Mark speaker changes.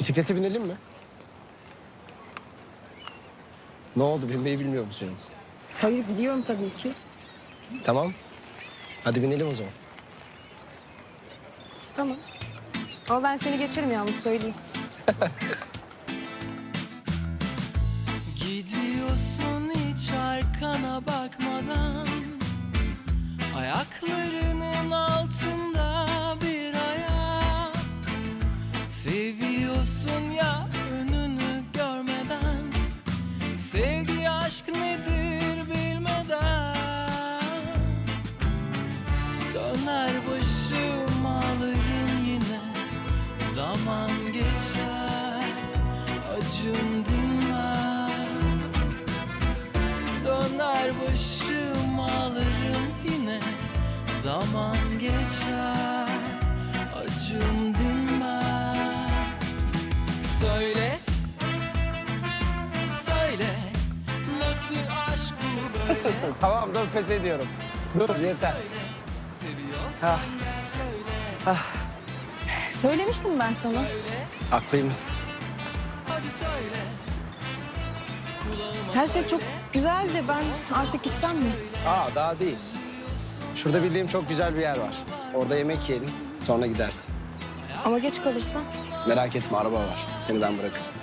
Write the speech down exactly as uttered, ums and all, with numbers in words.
Speaker 1: Bisiklete binelim mi? Ne oldu, binmeyi bilmiyor musun yoksa?
Speaker 2: Hayır biliyorum tabii ki.
Speaker 1: Tamam. Hadi binelim o zaman.
Speaker 2: Tamam. Ama ben seni geçerim yalnız söyleyeyim.
Speaker 3: Gidiyorsun hiç arkana bakmadan, ayaklarının altında bir hayat. Seviyorsun ya önünü görmeden, sevgi aşk nedir bilmeden. Döner başım ağlarım yine, zaman geçer acım dinmez. Döner başım ağlarım yine, zaman geçer acım dinmez. Söyle, söyle, nasıl aşk bu böyle?
Speaker 1: Tamam, dur pes ediyorum. Dur, yeter.
Speaker 3: Söyle, seviyorsan
Speaker 1: Ah.
Speaker 3: söyle,
Speaker 2: Söylemiştim ben sana.
Speaker 3: söyle,
Speaker 1: Haklıymışsın.
Speaker 3: hadi söyle. Kulağıma
Speaker 2: Her şey çok
Speaker 3: söyle.
Speaker 2: güzeldi. Ben artık gitsem mi?
Speaker 1: Aa, daha değil. Şurada bildiğim çok güzel bir yer var. Orada yemek yiyelim, sonra gidersin.
Speaker 2: Ama geç kalırsam.
Speaker 1: Merak etme, araba var. Seni ben bırakırım.